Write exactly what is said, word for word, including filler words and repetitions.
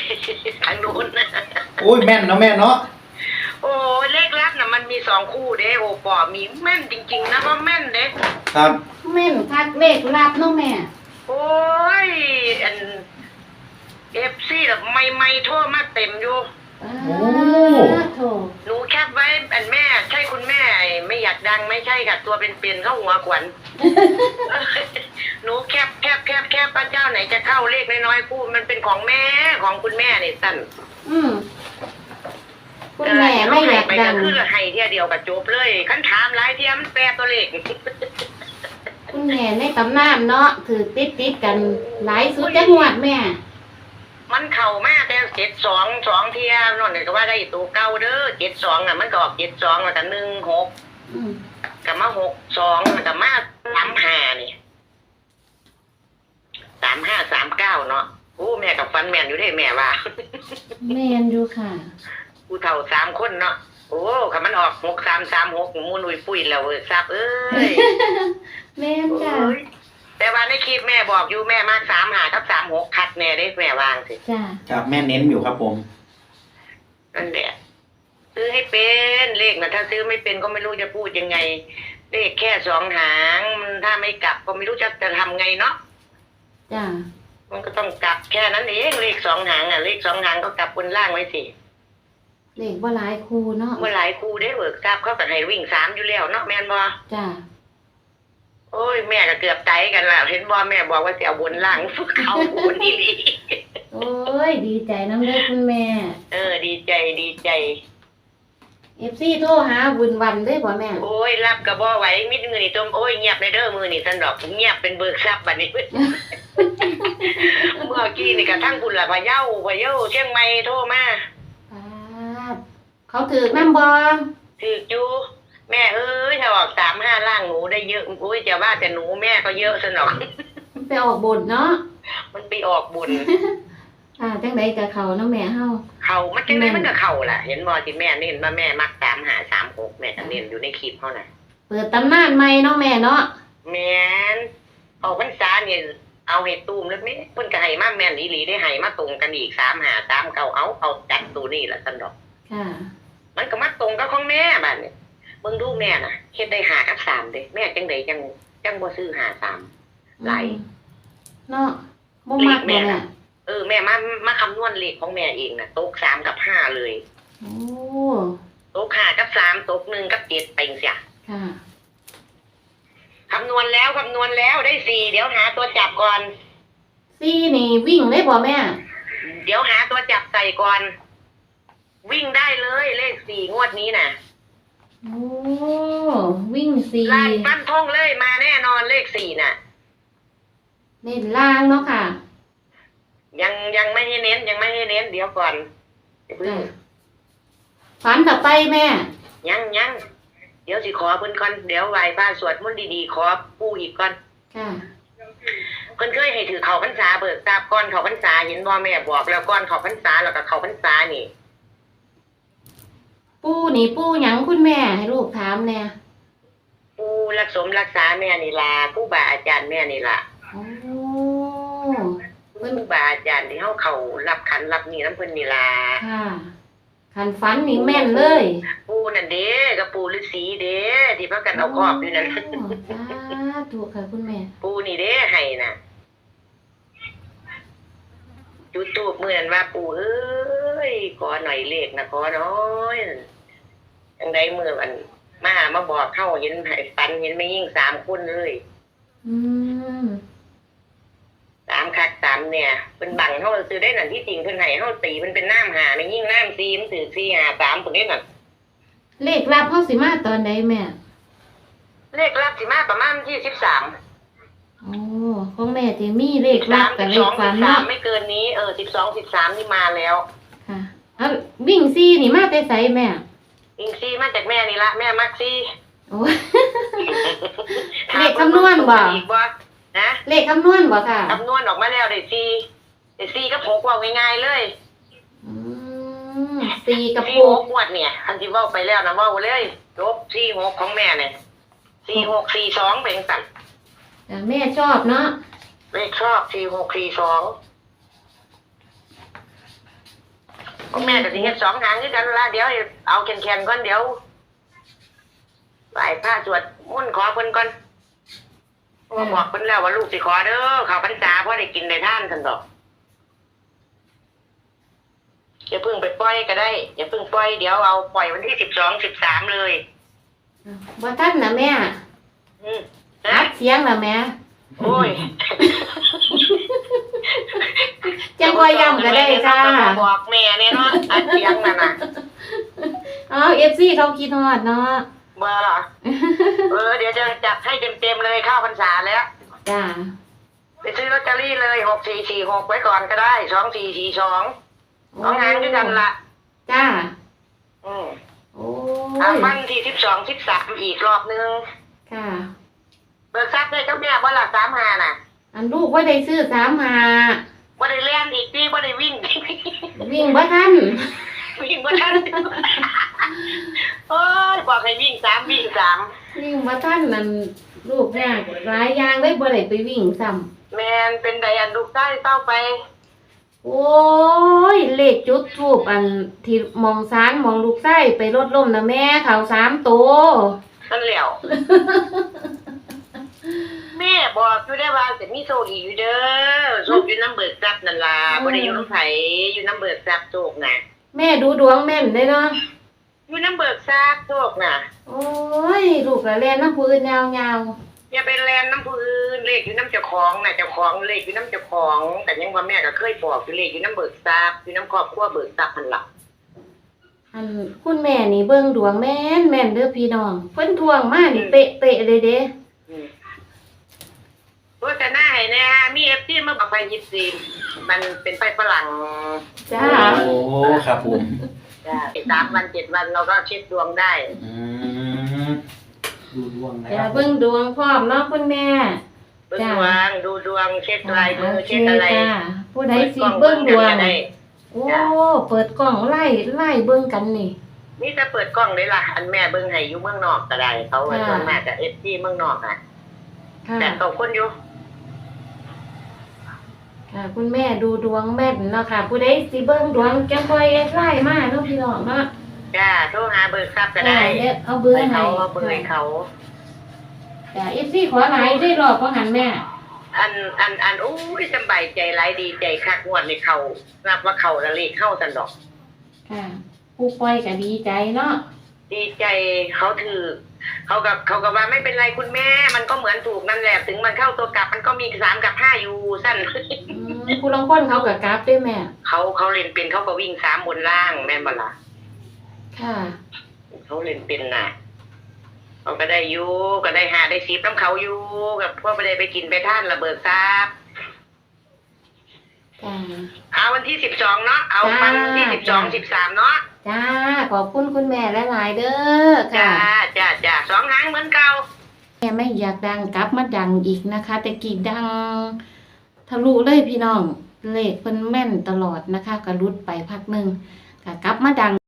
ทางโน้นนะโอ้ยแม่นเนาะแม่เนาะโอ้เลขลับน่ะมันมีสองคู่เด้โอปอมีแม่นจริงๆนะว่าแม่นเด้ครับแม่นคักเลขลับเนาะแม่โอ้ยอันเอฟซีแบบไม่ไม่โทษมาเต็มอยู่โอ้โถหนูแคปไว้อันแม่ใช่คุณแม่ไม่อยากดังไม่ใช่ค่ะตัวเป็นๆเข้าหัวขวัญหนูแคปแคปแคปแคปพระเจ้าไหนจะเข้าเลขน้อยๆคู่มันเป็นของแม่ของคุณแม่นี่สั้นอืมคุณแม่ไม่อยากดังคือให้เที่ยเดียวกับจบเลยคันถามหลายเที่ยมันแปรตัวเลขคุณแม่ในตำนานเนาะถือติดติดกันหลายสุดจังหวัดแม่มันเข่ามากแต่เจ็ดสองสองเที่ยนนท์ก็ว่าได้ตัวเก่าเด้อเจ็ดสองอ่ะมันก็ออกเจ็ดสองแล้วก็หนึ่งหกกับมาหกสองแล้วก็มาสามห้านี่สามห้าสามเก้าเนาะโอ้แม่กับฟันแม่นอยู่ได้แม่ว่าแม่นอยู่ค่ะกูเท่าสามคนเนาะโอ้คำมันออกหกสามสามหกมูนุยปุ้ยแล้วเว้ยซับเอ้ยแม่นจ้ะแต่ว่าในคลิปแม่บอกอยู่แม่มากสามหากับสามหกคัดแม่ได้แม่วางสิจ้ะครับแม่เน้นอยู่ครับผมนั่นแหละซื้อให้เป็นเลขนะถ้าซื้อไม่เป็นก็ไม่รู้จะพูดยังไงเลขแค่สองหางถ้าไม่กลับก็ไม่รู้จะจะทำไงเนาะจ้ะมันก็ต้องกลับแค่นั้นเองเลขสองหางอ่ะเลขสองหางก็กลับบนล่างไว้สิเลขว่าหลายครูเนาะเมื่อหลายครูได้เบิกทราบเขาก็ให้วิ่งสามอยู่แล้วเนาะแม่นบ่จ้ะโอ้ยแม่ก็เกือบใจกันแล้วเห็นบ่แม่บอกว่าจะเอาบนล่างฝึกเขาบนนี่ลีโอ้ยดีใจน้ำเลยคุณแม่เออดีใจดีใจเอฟซีโทรหาบุญวันได้ป่ะแม่โอ้ยรับกระบอกไว้มิดมือนี่ต้มโอ้ยเงียบในเด้อมือนี่สันดอกเงียบเป็นเบิกทรัพย์บัดนี้เมื่อกี้นี่กระทั่งคุณละพะเยาพะเยาเชียงใหม่โทรมาเขาถือน้ำบอถือจูแม่เอ้ยถ้าออกสามห้าล่างหนูได้เยอะโอ้ยจะว่าแต่หนูแม่ก็เยอะสนองมันไปออกบุญเนาะมันไปออกบุญอ่าจังไดกับเขาเนาะแม่เฮาเขามันจังไดมันก็เขาล่ะเห็นบอที่แม่เน้นว่าแม่มักสามหาสามหกแม่ก็เน้นอยู่ในคลิปเขาน่ะเปิดตำนานใหม่เนาะแม่เนาะแม่นออกพรรษาเนี่ยเอาเห็ดตูมแล้วแม่เพิ่นก็ให้มาแม่นอีหลีได้ให้มาตรงกันอีกสามหาสามเก้าเอาเอาจัดตัวนี่ล่ะสนอกค่ะมันก็มาตรงกับของแม่บัดนี้เบิ่งดูแม่น่ะเฮ็ดได้หากับสามเด้แม่จังไดจังจังบ่ซื้อหาสามไหลเนาะบ่มักแม่เออแม่มามาคำนวณเลขของแม่เองน่ะตกสามกับห้าเลยโอ้ตกห้ากับสามตกหนึ่งกับเจ็ดไปจังซี่ค่ะคำนวณแล้วคำนวณแล้วได้สี่เดี๋ยวหาตัวจับก่อนสี่นี่วิ่งได้บ่แม่เดี๋ยวหาตัวจับใส่ก่อนวิ่งได้เลยเลขสี่งวดนี้น่ะโอ้วิ่งสี่ล่างปั้นทงเลยมาแน่นอนเลขสี่น่ะเน้นล่างเนาะค่ะยังยังไม่ให้เน้นยังไม่ให้เน้นเดี๋ยวก่อนฝันต่อไปแม่ยังยังเดี๋ยวสิขอเพิ่นก่อนเดี๋ยวไหว้พระสวดมนต์ดีๆขอปู่อีกก่อนค่ะเพิ่นเคยให้ถือเขาพรรษาเบิกทราบก่อนเขาพรรษาเห็นบ่แม่บอกแล้วก่อนเขาพรรษาแล้วก็เขาพรรษานี่ปู่นี่ปู่หยังคุณแม่ให้ลูกถามแน่ปู่รักสมรักษาแม่นี่ล่ะผู้บาอาจารย์แม่นี่ล่ะโอ้เพิ่นบาอาจารย์ที่เฮาเข้ารับขันรับนี่น้ำเพิ่นนี่ล่ะค่ะขันฝันนี่แม่นเลยปู่นั่นเด้กับปู่ฤาษีเด้ที่พากันเอาครอบอยู่นั่นจ้าถูกค่ะคุณแม่ปู่นี่เด้ให้น่ะจุดธูปมื้อนั้นว่าปู่เอ้ยขอหน่อยเลขนะขอน้อยจังได๋มื้อมันมามาบอกเฮาเห็นให้ฝันเห็นแม่ยิ่งสามคนเลยอืมสามคักสามเนี่ยเป็นบังเขาซื้อได้นั่นที่จริงเพิ่นให้เขาตีมันเป็นน้ำหาไม่ยิ่งน้ำซีมันถือซีหาสามตัวนี้นั่นเลขลับเขาสิมาตอนใดแม่เลขลับสิมาประมาณยี่สิบสามโอ้ของแม่ที่มีเลขลับกับเลขฝันเนาะไม่เกินนี้เออสิบสองสิบสามนี่มาแล้วค่ะเอาวิ่งซีนี่มาแต่ไสแม่วิ่งซีมาจากแม่นี่ละแม่มักซีโอ้เลขคำนวณบ่นะเลขคำนวณบ่ค่ะคำนวณออกมาแล้วได้สี่ได้สี่กับหกว่าง่ายๆเลยอืมสี่กับหกงวดเนี่ยอันที่ว่าไปแล้วนะว่าเลยจบสี่หกของแม่เนี่ยสี่หกสี่สองเป็นสั่นแต่แม่ชอบเนาะเลขชอบสี่หกสี่สองของแม่ก็สิเฮ็ดสองหางคือกันละเดี๋ยวเอาแข็งๆก่อนเดี๋ยวไหว้พระสวดมนต์ขอเพิ่นก่อนว่าบอกเพิ่นแล้วว่าลูกสิขอเด้อเข้าพรรษาเพราะได้กินได้ทานซั่นดอกอย่าเพิ่งไปปล่อยก็ได้อย่าเพิ่งปล่อยเดี๋ยวเอาปล่อยวันที่สิบสองสิบสามเลยบ่ทันนะแม่อืมอันะดเสียงละแม่โอ้ยจังบ่ย้ำก็ได้จ้าบอกแม่เนี่ยเนาะอัดเสียงนั่นน่ะอ๋อ เอฟ ซี เขาคิดฮอดเนาะเบอร์เหรอเออเดี๋ยวจะจัดให้เต็มๆเลยเข้าพรรษาแล้วจ้าไปซื้อลอตเตอรี่เลยหกสี่สี่หกไว้ก่อนก็ได้สองสี่สี่สองสองงานด้วยกันละจ้าอืมโอ้อ่ะยวันที่สิบสองสิบสามอีกรอบนึงค่ะเบิกทรัพย์ได้เจ้าแม่บ่ละสามหาน่ะอันลูกว่าได้ซื้อสามหาบ่ได้เล่นอีกพี่บ่ได้วิ่งวิ่งบ่ทันวิ่งบ่ทันโอ้ยบอกให้วิ่งสามวิ่งสามวิ่งบ่ทันนั่นลูกเนี่ยหลายอย่างเลยบ่ได้ไปวิ่งซ้ำแมนเป็นไดอันลูกใต้เต้าไปโอ้ย เลขจุดทูปอันที่มองซ้านมองลูกไส้ไปรถล่มนะแม่เขาสามตัวนั่นแหล้ว แม่บอกอยู่ได้ว่าจะมีโชคอีกอยู่เด้อโชคอยู่น้ำเบิกทรัพย์นั่นล่ะบ่ได้อยู่น้ำไผอยู่น้ำเบิกทรัพย์โชคน่ะแม่ดูดวงแม่นได้เนาะอยู่น้ำเบิกทรัพย์โชคน่ะโอ้ย ลูกละแล่นน้ำพื้นยาวอย่าไปแลนน้ำผู้อื่นเลขอยู่น้ำเจ้าของน่ะเจ้าของเลขอยู่น้ำเจ้าของ แต่ยังว่าแม่ก็เคยบอกอยู่เลขอยู่น้ำเบิกทรัพย์อยู่น้ำครอบครัวเบิกทรัพย์นั่นล่ะๆอันคุณแม่นี่เบิ่งดวงแม่นแม่นเด้อพี่น้องเพิ่นทวงมานี่เป๊ะเป๊ะๆเลยเด้อืมโฆษณาให้แน่มีเอฟซีมาบอกไปยิบซีมันเป็นไปฝรั่งจ้าโอ้ครับผมจ้ะสามวันเจ็ดวันเราก็เช็คดวงได้อืมดูดวงนะอคย่ารับเบิ่งดวงพร้อมเนาะคุณแม่เบิ่งจ้ะดวงดูดวงเช็คลายมือโอเคเช็คอะไรจ้าผู้ใดสิเบิ่งดวงเปิกล้อเบิ่กันก็ได้โอ้เปิดกล้องไล่ไล่เบิ่งกันนี่นี่จะเปิดกล้องเลยล่ะ อันแม่เบิ่งให้อยู่เมืองนอกก็ได้เขาว่าค่ะส่วนมากกับเอฟซีเมืองนอกอ่ะค่ะแต่เขาคนอยู่ค่ะ คุณแม่ดูดวงแม่นเนาะค่ะ ผู้ใดสิเบิ่งดวงจังค่อยไล่มาเนาะพี่น้องเนาะจ้าโทรหาเบิกทรัพย์ก็ได้เดี๋ยวเอาเบิ่งให้ให้เขาเอาเบอร์ให้เขาจ้ะ เอฟ ซี ขอหลายได้รอบบ่หันแม่อันอันอันอู้ยสบายใจหลายดีใจคักงวดในเขานับว่าเขาละเลขเข้าสันดอกค่ะ ผู้ปล่อยก็ดีใจเนาะดีใจเขาถือเขากับเขากับว่าไม่เป็นไรคุณแม่ มันก็เหมือนถูกนั่นแหละถึงมันเข้าตัวกลับมันก็มีสามกับห้าอยู่สั้นอืมผู้ลางคนเขาก็กราฟด้วยแม่เขาเขาเล่นเป็นเขาก็วิ่งสามบนล่างแม่นบ่ล่ะค่ะเขาเล่นเป็นน่ะเขาก็ได้อยู่ก็ได้หาได้ซีบน้ำเขาอยู่กับพวกไปได้ไปกินไปท่านระเบิดทราบจ้าเอาวันที่สิบสองเนาะเอาวันที่สิบสองสิบสามเนาะจ้า ขอบคุณคุณแม่หลายๆเด้อจ้าค่ะจ้าจ้าสองหางเหมือนเก่าแม่ไม่อยากดังกลับมาดังอีกนะคะ แต่กี่ดังทะลุเลยพี่น้อง เลขเพิ่นแม่นตลอดนะคะก็รุดไปพักหนึ่งก็กลับมาดัง